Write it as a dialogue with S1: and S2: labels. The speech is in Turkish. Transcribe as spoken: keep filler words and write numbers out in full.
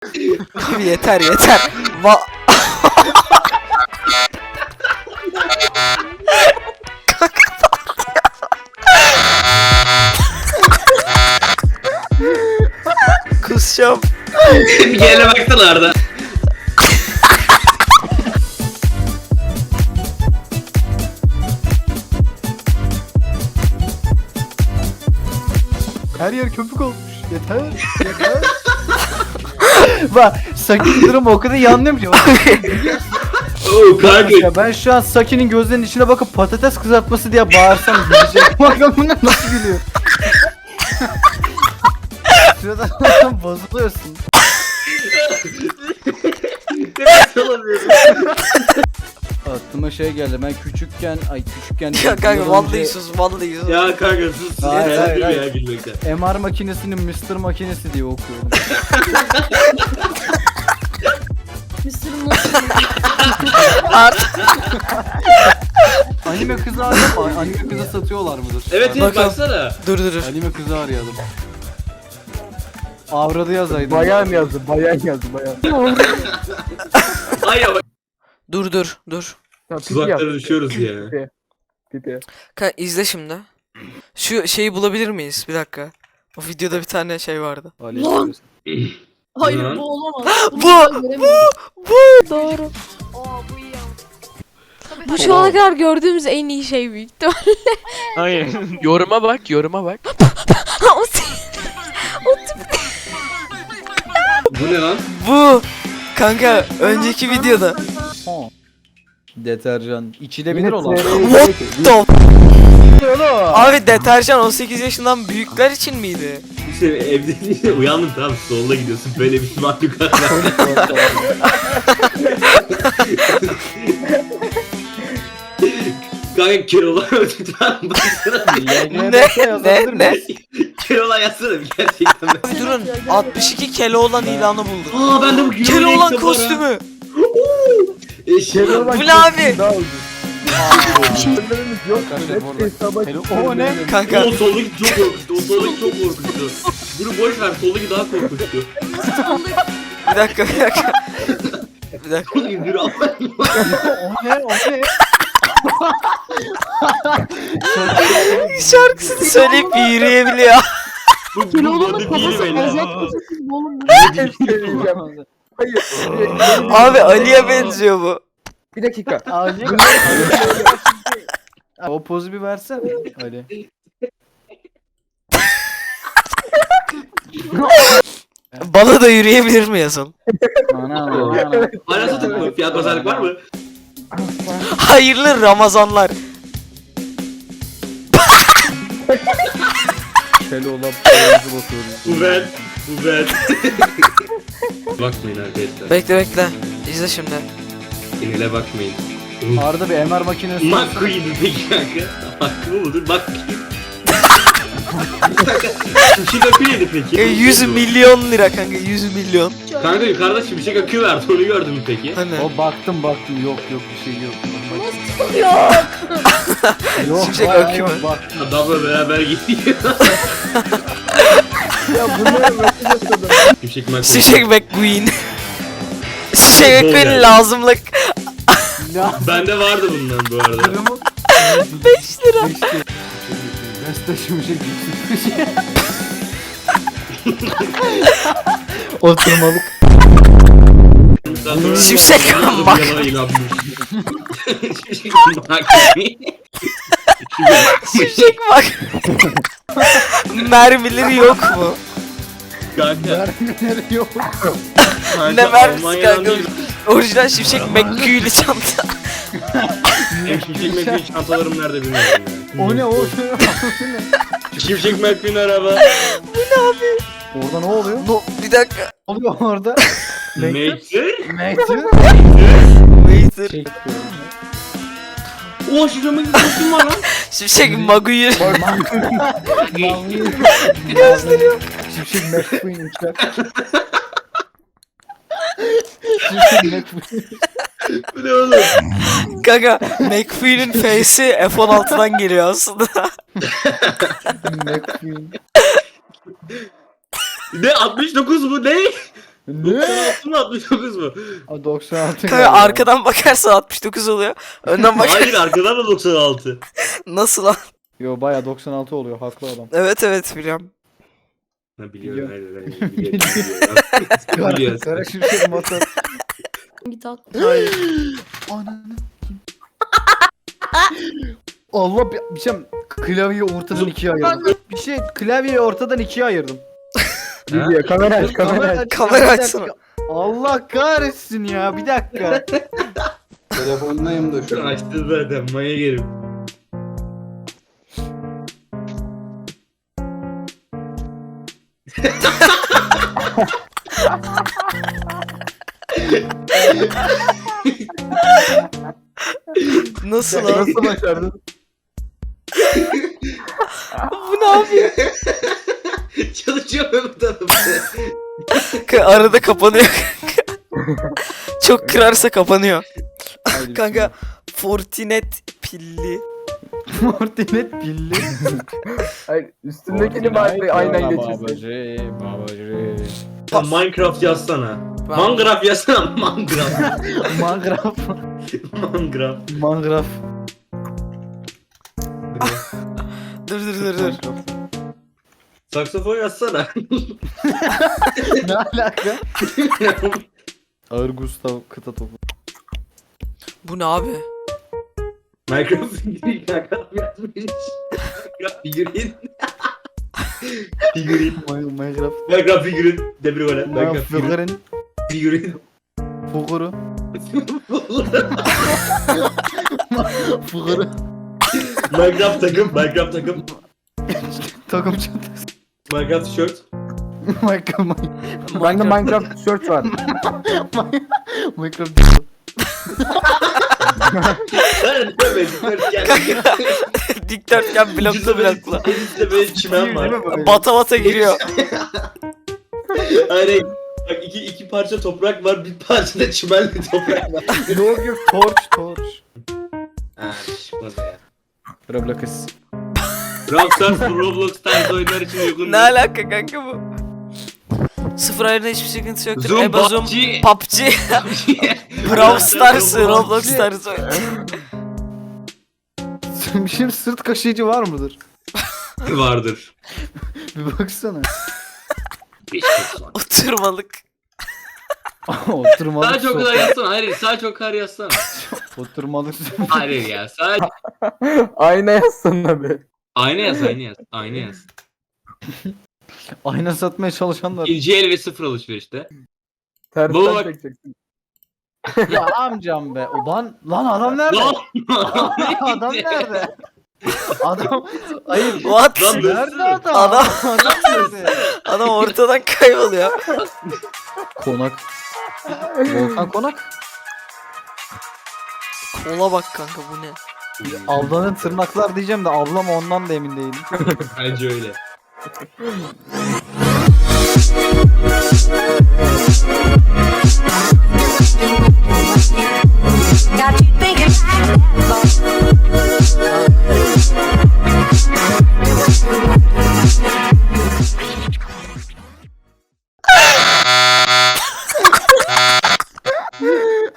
S1: Abi yeter yeter. Va Kusacağım.
S2: Bir yerine baksana Arda.
S3: Her yer köpük olmuş. Yeter. Yeter. Bak Saki'nin durumu o kadar iyi anlıyorum ki.
S2: Oo kanka.
S3: Ya ben şu an Saki'nin gözlerinin içine bakıp patates kızartması diye bağırsam gülecek. Bakın bunlar nasıl gülüyor. Şuradan bozuluyorsun.
S2: Nefes alamıyorum.
S3: Aklıma şey geldi. Ben küçükken, ay küçükken
S1: Ya kanka vallahi sus vallahi sus.
S2: Ya kanka sus.
S3: Hayır,
S2: Yeter
S3: hayır,
S2: ya
S3: hayır.
S2: gülmekten.
S3: M R makinesinin mister makinesi diye okuyorum.
S4: Mısır'ın nasıl?
S1: Artık
S3: Anime kızı arayalım. Anime kızı satıyorlar mıdır?
S2: Evet evet
S1: Bakalım.
S2: baksana.
S1: dur dur dur.
S3: Anime kızı arayalım. Avradı yazaydım.
S5: Bayan yazdı, bayan yazdı, bayan.
S2: Ay ama
S1: Dur dur dur.
S5: Ya, pipi
S2: tuzaklara
S5: yap.
S2: düşüyoruz ya.
S5: Pipi. Pipi.
S1: Kanka izle şimdi. Şu şeyi bulabilir miyiz? Bir dakika. O videoda bir tane şey vardı.
S3: Ali
S4: Lan!
S3: yazıyorsun.
S4: Hayır
S2: Lan.
S4: bu olamaz. Bunu
S1: Bu,
S4: ben göremiyorum.
S6: Doğru.
S4: Aa bu iyi ama.
S6: Bu şu ana kadar gördüğümüz en iyi şey büyük ihtimal.
S7: Hayır. Yoruma bak, yoruma bak.
S6: O se-
S2: Bu ne lan?
S1: Bu. Kanka önceki videoda.
S3: Ha. Deterjan. İçilebilir olan.
S1: What the Abi deterjan on sekiz yaşından büyükler için miydi?
S2: İşte evde değil, uyandım tamam solda gidiyorsun böyle bir mahlukat var. Kanka Keloğlan öldükten baksana.
S1: Ne ne ne?
S2: Keloğlan yazsana bir gerçekten.
S1: Abi durun altmış iki Keloğlan ilanı bulduk.
S2: Aa ben de bu
S1: Keloğlan kostümü.
S2: Eşya.
S1: Bu ne abi?
S5: Daha ucuz. Şeylerimiz yok.
S3: Arkadaşlar bu
S5: Hep
S3: arada-
S5: hesaba
S3: Hello- O ne?
S1: Kanka
S2: O soldaki çok korkuttu. O soldaki çok korkuttu. Bunu boş ver soldaki daha korkuttu.
S1: bir dakika bir dakika. Bir dakika.
S2: Yürü Allah.
S3: O ne? O ne?
S1: Şarkısını söyleyip yürüyebiliyor.
S2: Bu bu
S4: Keloğlan'ın
S2: bende değil
S4: kafası
S2: beyler.
S4: azat kafasız bu oğlum.
S5: söyleyeceğim. Hayır.
S1: Abi Ali'ye benziyor bu.
S5: Bir dakika.
S3: Ali. O pozu bir versene. Ali.
S1: Bana da yürüyebilir mi yazın?
S3: Ana ana.
S2: Hala satık mı? Fiyat pazarlık var mı?
S1: Hayırlı Ramazanlar.
S3: Şöyle olan pozu bakıyoruz.
S2: Bu ben. Bu ben. Bakmayın arkadaşlar.
S1: Bekle bekle. İzle şimdi.
S2: Sinirle bakmayın.
S3: Arada bir M R makinesi.
S2: McQueen peki kanka. Hakkı mı budur? Bak. Şimşek akı neydi peki?
S1: E, yüz milyon lira kanka yüz milyon.
S2: Kanka yukarıda şimşek akı vardı onu gördün mü peki?
S1: Hani
S3: O baktım baktım yok yok bir şey yok.
S4: Yok.
S3: Yok.
S1: Şimşek
S3: bayağı
S1: akü
S3: yok,
S1: mü?
S3: baktım.
S2: Adamla beraber gidiyor.
S5: Ya bunları mesaj atalım.
S2: Şimşek McQueen.
S1: Şimşek McQueen. Şimşek McQueen lazımlık.
S3: Ya.
S2: Bende vardı bundan bu arada.
S1: beş lira.
S3: Beste şimşek yüksek. Oturmalık.
S2: Şimşek
S1: Şimşek Mac-
S2: Şimşek McQueen.
S1: Şimşek bak. Mermileri yok mu?
S2: Kanka.
S3: Mermileri yok.
S1: Ne mermisi
S2: Almanya'dan
S1: kanka?
S2: değil.
S1: Orijinal Şimşek McQueen'li çanta.
S2: Benim Şimşek McQueen çantalarım nerede bilmiyorum ya.
S3: O ne o?
S2: Şimşek McQueen araba.
S3: Orada ne oluyor?
S1: No, bir dakika.
S3: Ne oluyor orada?
S2: Maker.
S3: Mektir.
S1: Waiter.
S2: Oha Şimşek McQueen kostüm var lan.
S1: Şimşek McQueen.
S3: Gözleri yok. Şimşek McQueen uçak. Şimşek McQueen.
S2: Bu ne oğlum?
S1: Kanka McQueen'in face'i F on altıdan geliyor aslında.
S3: McQueen.
S2: Ne altmış dokuz bu ne?
S5: Ne?
S2: altı mı altmış dokuz mu?
S3: Aa, doksan altı.
S1: Kanka
S3: galiba.
S1: arkadan bakarsan altmış dokuz oluyor. Önden bak.
S2: Hayır arkadan da doksan altı.
S1: Nasıl lan?
S3: Yo baya doksan altı oluyor haklı adam.
S1: Evet evet biliyorum.
S2: Ha biliyorum.
S3: Biliyorum.
S2: Hayır, hayır, biliyorum.
S3: Kara,
S2: Biliyorsun.
S3: kara şimşek motor.
S4: Git at.
S1: Hayır.
S3: Ananı. Allah bir, bir şey klavyeyi ortadan ikiye ayırdım. Bir şey klavyeyi ortadan ikiye ayırdım.
S5: Video kamera aç kamera aç.
S1: Kamera
S3: bir dakika.
S1: açsana.
S3: Allah kahretsin ya bir dakika.
S5: Telefondayım da şu an.
S2: Açtı zaten maya gerim.
S1: Nasıl lan?
S5: Nasıl başardın?
S1: Bu ne yapıyor?
S2: Çalışıyor mu bu tarafı?
S1: Kanka arada kapanıyor. Çok kırarsa kapanıyor.
S3: Haydi
S1: Kanka Fortinet pilli.
S3: Fortinet pilli.
S5: Hayır üstündekini bari aynen geçirsin.
S3: Babacı, babacı.
S2: Sen Minecraft yazsana. Minecraft yazsana. Minecraft.
S3: Mangraf.
S2: Minecraft.
S3: Mangraf.
S1: Dur dur dur dur.
S2: Saksafon yazsana.
S3: Ne alaka? Ağır Gustav kıta topu.
S1: Bu ne abi?
S2: Minecraft Minecraft yazmış. Minecraft figürin. Figürin.
S3: Minecraft.
S2: Minecraft figürin. Demir gole. Minecraft figürin.
S3: Fıgırın.
S2: Figürin.
S3: Fuguru. Fuguru.
S2: Minecraft takım. Minecraft takım.
S3: Takım çantası.
S2: Minecraft tişört.
S3: Minecraft.
S5: Bende Minecraft tişört var.
S3: Minecraft.
S2: Ben de böyle
S1: Dikdörtgen bloklu bloklu.
S2: Bizde böyle çimen var.
S1: Bata bata giriyor.
S2: Hayır. Bak iki, iki parça toprak var. Bir parça da çimenli toprak var.
S3: Yok yok torch torch.
S2: Ha çıkmaz ya.
S3: Roblox.
S2: Rockstar Roblox tarzı oyunlar için uygun
S1: Ne alaka kanka bu? Sıfır ayarında hiçbir sıkıntı yoktur.
S2: Zoom,
S1: Eba Zoom,
S2: P U B G.
S1: P U B G, Brawl Stars, Roblox tarzı oyun.
S3: Bir şey sırt kaşıyıcı var mıdır?
S2: Vardır.
S3: Bir baksana.
S1: Oturmalık.
S3: Oturmalık.
S2: Sadece o kadar
S3: sofa.
S2: yazsana. Hayır sadece o kadar yazsana.
S3: Oturmalık.
S2: Hayır ya sadece.
S5: Ayna yazsana be.
S2: Ayna yaz ayna yaz. Ayna yaz.
S3: Ayna satmaya çalışanlar.
S2: İkinci el ve sıfır alışverişte.
S5: Tersten
S2: Bu bak-
S5: çekeceksin.
S3: Ya amcam be. Ulan lan adam nerede?
S2: Lan!
S3: Adam nerede? Adam hayır.
S1: What?
S2: Lan
S3: Nerede adam?
S1: Adam-
S3: adam nerede?
S1: Adam ortadan kayboluyor.
S3: Konak. Volkan Konak.
S1: Kola bak kanka bu ne?
S3: Ablanın tırnaklar diyeceğim de ablam ondan da emin değilim.
S2: Bence öyle.
S8: Got you thinking like that.